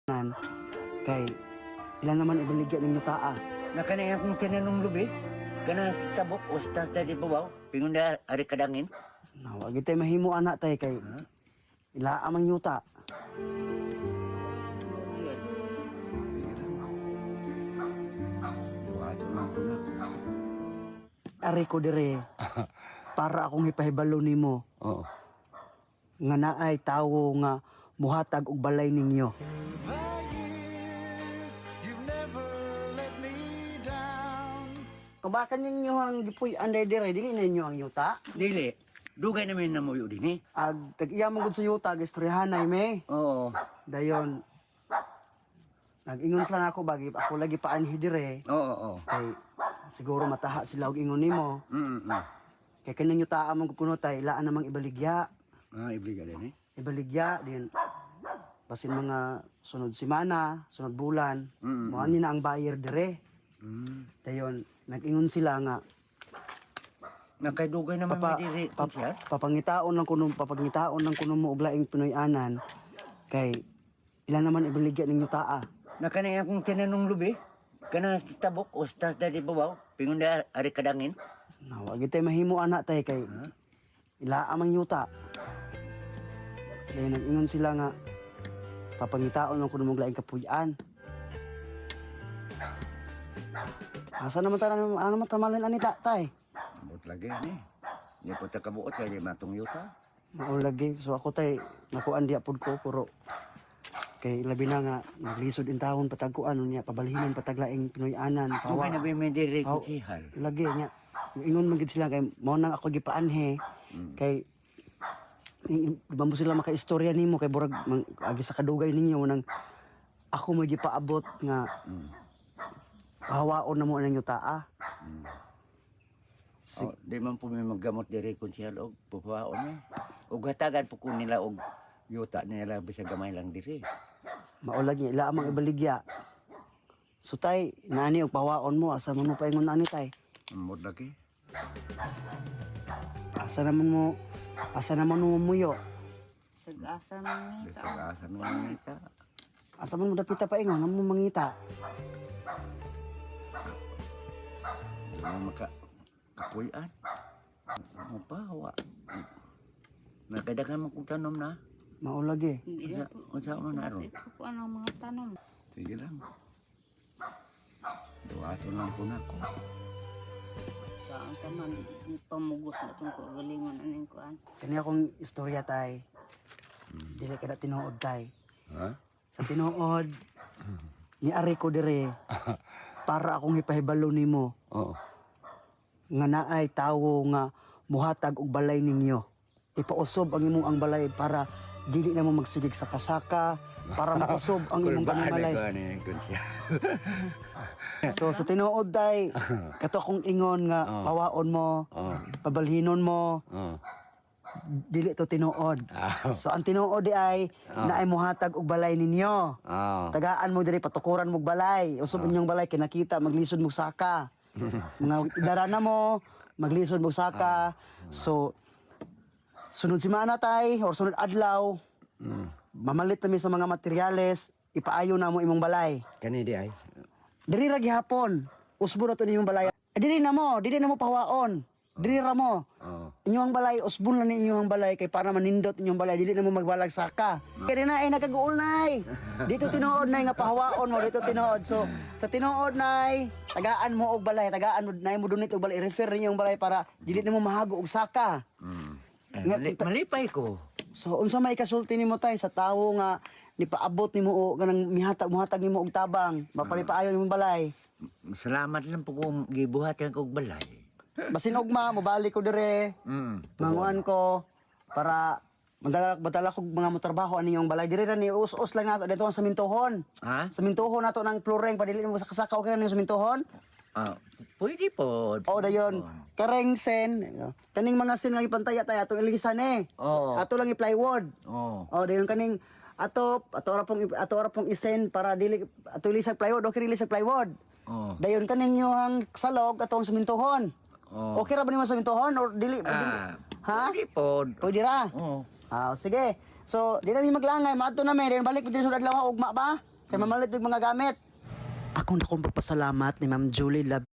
Nan, kay ilan naman ibaligya ninyo taa. Nakanaya akong tinanong lubi. Kana tabok o sa tadi babaw. Pingon na ari kadangin. Wag tay mahimo anak tay kay ila amang yuta. Ari ko dire para akong ipahibalo nimo. Oo. Nga naay tawo nga muhatag og balay ninyo. Kabakan ninyo ang gipuy under dire dili ninyo ang yuta. Dili. Dugay namin na mo yun din eh. Ag tag-iya man gud sa yuta gistoryahanay me. Oo. Dayon nag-ingon sila ako bagi ako lagi paanhi dire. Oo. Kay siguro mataha sila og ingon nimo. Kay kaning yuta among kuno tay ilaan namang ibaligya. Ibliga din eh. Ibaligya din basin mga sunod semana, sunod bulan. Mo ani na ang buyer dire. Dayon nag-ingon sila nga Nakadugay naman may diri. papangitaon ng kuno mo og laing Pinoy-anan kay ilan naman ibaligya ninyo taa. Nakanaya akong tinanong lubi. Kana tabok o sa tadi babaw. Pingon na ari kadangin. Wag tay mahimo anak tay kay ila amang yuta. Dayon nag-ingon sila nga papangitaon ng kuno mo og laing kapuy-an. Asa naman tanan ano man tamalin ani tay? Abot lagi ni. Di po ta kabuot kay matong yuta. Mao lagi so ako tay nakuan diya pud ko puro kay labi na nga naglisod in taon patagkuan niya pabalhinon pataglaing Pinoy-anan Dugay na may diri kutsihal. lagi nya ingon man gid sila kay mao nang ako gipaanhe kay ba mo sila makaistorya nimo kay burag agi sa kadugay ninyo nang ako mo gipaabot nga pahawaon na mo nang yuta. Di man po may maggamot diri kutsihal og pupaon eh. Og hatagan po ko nila og yuta nila bisag gamay lang diri. Mao lagi ila amang ibaligya. So tay nani og pahawaon mo asa man mo paingon ani tay? Amot lagi. Asa naman mo muyo? Sag-asa man ita. Bisag asa man ita. Asa man mo dapita paingon namo mangita? Di man maka kapuy-an. Mapawa. Nakadagan mo kong tanom na. Mao lagi. Hindi na po. Unsa man aron? Ito po ang mga tanong. Sige lang. Duwato lang po na ko. Saan ka man, ni pamugos na itong kagalingon aning kuan. Kani akong istorya tay. Dili kada tinuod tay. Ha? Sa tinuod ni ari ko dire para akong ipahibalo nimo Oo. nga naay tawo nga muhatag og balay ninyo. Ipausob ang imong ang balay para dili na mo magsigig sa kasaka para mausob ang imong balay. So sa tinuod tay kato akong ingon nga pawaon mo, pabalhinon mo. Dili to tinuod. So ang tinuod di ay naay muhatag og balay ninyo. Tagaan mo diri patukuran mo og balay. Usob inyong balay kinakita maglisod mo saka. Mga darana mo maglisod mo saka. So sunod semana tay or sunod adlaw mamalit na mi sa mga materyales ipaayo na mo imong balay. Kani di ay. Diri ra gihapon. Usbo na to nimong balay. Dili na mo pahawaon. Diri ra mo. Inyong balay usbon na ni inyong balay kay para manindot inyong balay dili na mo magbalag saka. Kaya na ay nagaguol nay. Dito tinuod nay nga pahawaon mo dito tinuod. So sa tinuod nay tagaan mo og balay, tagaan mo nay mo dunit og balay refer ninyong balay para dili na mo mahago og saka. Malipay ko. So unsa may kasulti nimo tay sa tawo nga nipaabot nimo o kanang muhatag nimo og tabang, mapalipaayon nimo balay. Salamat lang po kung gibuhatan ko og balay. Basin ugma mobalik ko dire. Manguan ko para madala ko mga motorbaho ani yung balay dire ra ni us-us lang nato dito sa mintohon. Ha? Sa mintohon nato nang flooring padili mo sa kasaka okay na sa mintohon. Pwede po. O dayon kareng sen kaning mga sen nga ipantaya tay atong ilisan Oo. Ato lang i-plywood. Oo. O dayon kaning ato ra pong isen para dili ato ilisag plywood okay ilisag plywood. Oo. Dayon kaning yung salog atong sa mintohon. Oo. Okay ra ba nimo sa mintohon or dili? Ha? Pwede po. Pwede ra. Oo. Sige. So, di na mi maglangay, maadto na mi, then balik pud sa adlaw ugma ba? kay mamalit og mga gamit. Ako na kong pagpasalamat ni Ma'am Julie Lab